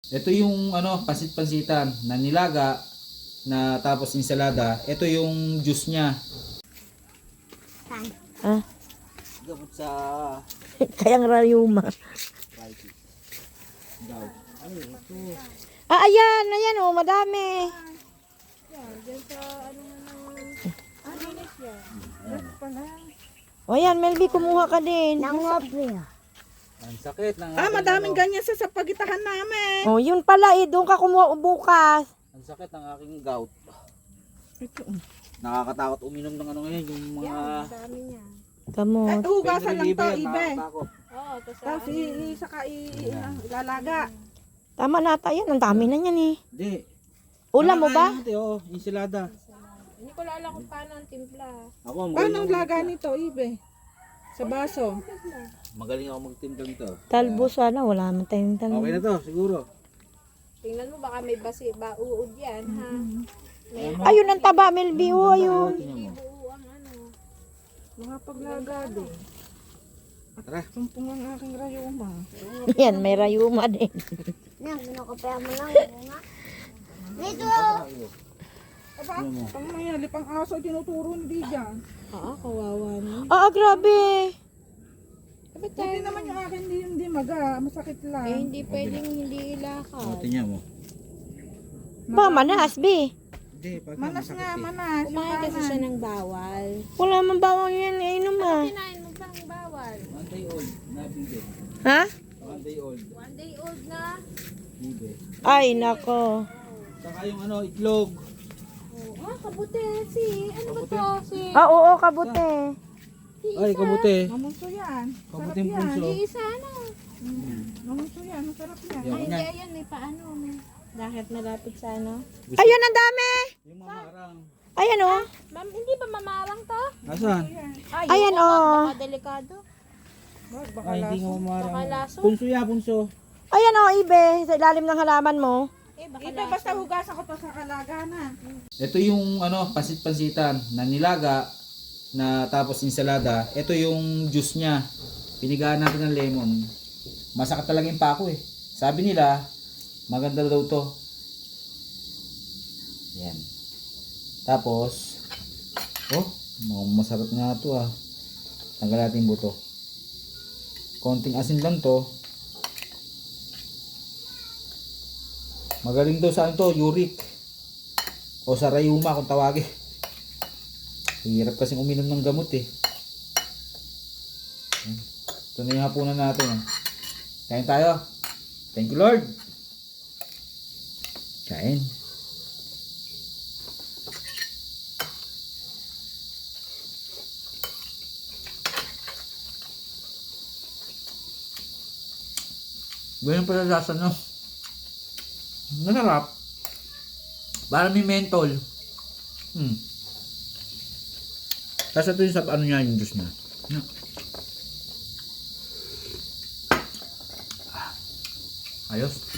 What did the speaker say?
Ito yung ano, pansit-pansitan na nilaga na tapos ensalada. Ito yung juice niya. Ah, Gamot sa kayang rayuma. arthritis. Daw. Ay, ito. Ah, ayan, ayan oh, madami. O yan, Melby, kumuha ka din. Ang sakit ng Madaming ganyan sa pagitahan namin. Oh, yun pala eh, doon ka kumuha bukas. Ang sakit ng aking gout. Ito. Nakakatakot uminom ng ano ngayon, yung mga Kamo. Hugasan lang to, ibe. Nakakatakot. Tapos saka ilalaga. Tama na tayo, ang dami na yan eh. Hindi. Ulam mo ba? Nakakain natin, oh, ensalada. Hindi ko alam kung paano ang timpla. Ako, Paano magaling ang ako laga magtimpla. nito, ibe? Sa baso. Magaling ako magtimpla nito. Talbo sana, wala man tayong talbo. Okay na to, siguro. Tingnan mo, baka may bauod yan, ha? Ayun ang taba, Melby, oh, ayun. Tingnan mo. Oo, ang ano. Mga paglaga din. Tara. Sumpong ang aking rayuma. Yan, may rayuma din. Aba, pang mayali, pang aso, tinuturo hindi dyan. Kawawa na. Ah, grabe. Hindi naman yung akin, hindi maga, masakit lang. Hindi pwedeng hindi Oh, ilakad. tingnan mo. Ba, manas, be. Hindi, pag Manas masakit nga, eh. manas. Kumain kasi siya ng bawal. Wala man bawang yan, inom ah. Kinain mo ba ang bawal? 1 day old, nabigay. Ha? 1 day old, 1 day old na. bibe. Ay, nako. Saka yung ano, itlog. Kabuti. Ano ba to? Ah, oo, kabute. Ay, kabuti. Mamunso yan. Sarap Kabuting yan. punso. Isa ano? Mamunso yan, masarap yan. Yan, Ay, na. hindi, ayan, may paano. Bakit malapit sa ano? Ayun, ang dami. Yung mamarang. Ayan oh. Ma'am, hindi ba mamarang to? Asan? Ay, Ayan, oh. Baka delikado. Baka Ay, hindi nga Baka mamarang. laso. Punso ya, punso. Ayan oh, ibe. Sa ilalim ng halaman mo. Baka Ibe, basta hugasan ko to sa kalaganan. Ito yung ano, pansit-pansitan na nilaga na tapos ensalada. Ito yung juice niya. Pinigaan natin ng lemon. Masakit talaga yung pako eh. Sabi nila, maganda daw to. Yan. Tapos, oh, masarap nga to ah. Tanggal natin yung buto. Konting asin lang to. Magaling daw sa ano to, uric. O sa rayuma kung tawagin. Hirap kasing uminom ng gamot eh. Ito na yung hapunan natin. Kain tayo. Thank you Lord. Kain. Ganyan pala lasa no. Masarap. Parang may mentol. Tapos ito yung sa ano niya yung juice niya. Ayos.